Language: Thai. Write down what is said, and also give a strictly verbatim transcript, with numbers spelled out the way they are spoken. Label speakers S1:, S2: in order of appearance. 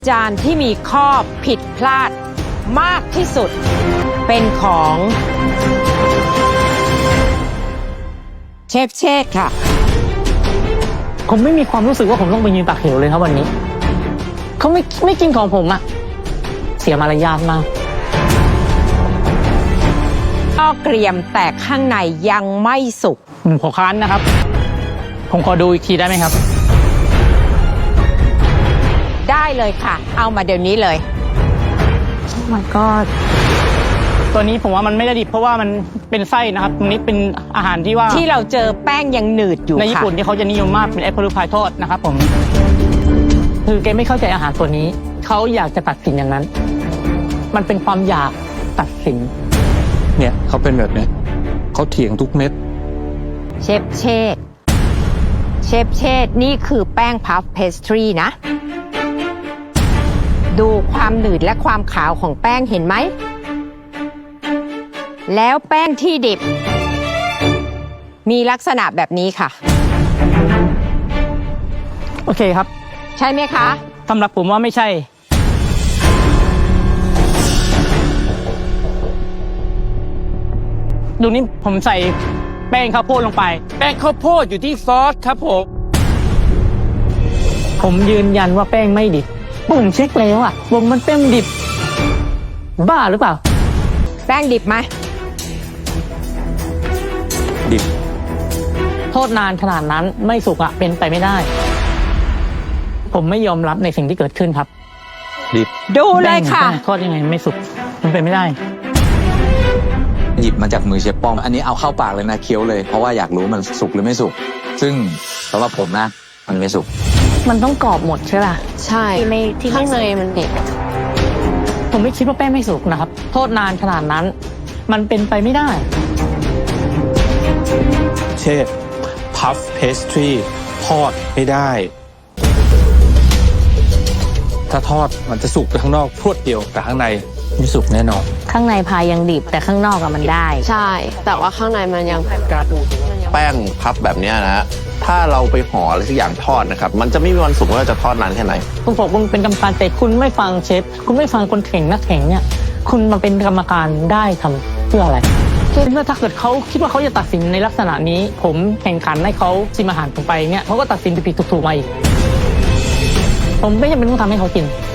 S1: จานที่มีข้อผิดพลาดมากที่สุดเป็นของเชฟเชษฐ์ค่ะ
S2: ผมไม่มีความรู้สึกว่าผมต้องไปยืนตักเหวเลยครับวันนี้เขาไม่ไม่กินของผมอะเสียมารยาทมาก
S1: ก็เกรียมแต่ข้างในยังไม่สุก
S2: ผมขอค้านนะครับ ผมขอดูอีกทีได้ไหมครับ
S1: ได้เลยค่ะเอามาเดี๋ยวนี้เลย
S2: Oh my god ตัวนี้ผมว่ามันไม่ได้ดิบเพราะว่ามันเป็นไส้นะครับตรงนี้เป็นอาหารที่ว่า
S1: ที่เราเจอแป้งยังหนืดอยู่
S2: ในญี่ปุ่นที่เขาจะนิยมมากเป็นแอปเปิลพายทอดนะครับผมคือแกไม่เข้าใจอาหารตัวนี้เขาอยากจะตัดสินอย่างนั้นมันเป็นความอยากตัดสิน
S3: เนี่ยเขาเป็นแบบนี้เขาเถียงทุกเม็ด
S1: เชฟเชษฐ์เชฟเชษฐ์นี่คือแป้งพัฟเพสทรีนะดูความหนืดและความขาวของแป้งเห็นไหมแล้วแป้งที่ดิบมีลักษณะแบบนี้ค่ะ
S2: โอเคครับ
S1: ใช่ไหมคะ
S2: สำหรับผมว่าไม่ใช่ดูนี่ผมใส่แป้งข้าวโพดลงไป
S3: แป้งข้าวโพดอยู่ที่ซอสครับผม
S2: ผมยืนยันว่าแป้งไม่ดิบผมเช็คแล้วอ่ะวงมันแป้งดิบบ้าหรือเปล่า
S1: แป้งดิบไหม
S3: ดิบ
S2: โทษนานขนาดนั้นไม่สุกอ่ะเป็นไปไม่ได้ผมไม่ยอมรับในสิ่งที่เกิดขึ้นครับ
S3: ดิบ
S1: ดูเลยค่ะ
S2: โทษยังไงไม่สุกมันเป็นไม่ได้
S4: หยิบมาจากมือเชฟป้อมอันนี้เอาเข้าปากเลยนะเคี้ยวเลยเพราะว่าอยากรู้มันสุกหรือไม่สุกซึ่งสำหรับผมนะมันไม่สุก
S2: มันต้องกรอบหมดใช่ป่ะ
S5: ใช่ไม่ที่ข้างในมันเด็ก
S2: ผมไม่คิดว่าแป้งไม่สุกนะครับโทษนานขนาดนั้นมันเป็นไปไม่ได้
S3: เชฟพัฟเพสทรีทอดไม่ได้ถ้าทอดมันจะสุกไปข้างนอกพรวดเดียวแต่ข้างในไม่สุกแน่นอน
S5: ข้างในพายยังดิบแต่ข้างนอกอะมันได้ใช่แต่ว่าข้างในมันยัง
S6: แป้งพับแบบนี้นะฮะถ้าเราไปห่ออะไรสักอย่างทอดนะครับมันจะไม่มีวันสุกว่าจะทอดนานแค่ไหน
S2: คุณบอกคุณเป็นกรรมการแต่คุณไม่ฟังเชฟคุณไม่ฟังคนแข่งนักแข่งเนี่ยคุณมาเป็นกรรมการได้ทำเพื่ออะไรเมื่อถ้าเกิดเขาคิดว่าเขาจะตัดสินในลักษณะนี้ผมแข่งขันให้เขาชิมอาหารผมไปเนี่ยเขาก็ตัดสินผิดๆถูกๆมาอีกผมไม่จำเป็นต้องทำให้เขากิน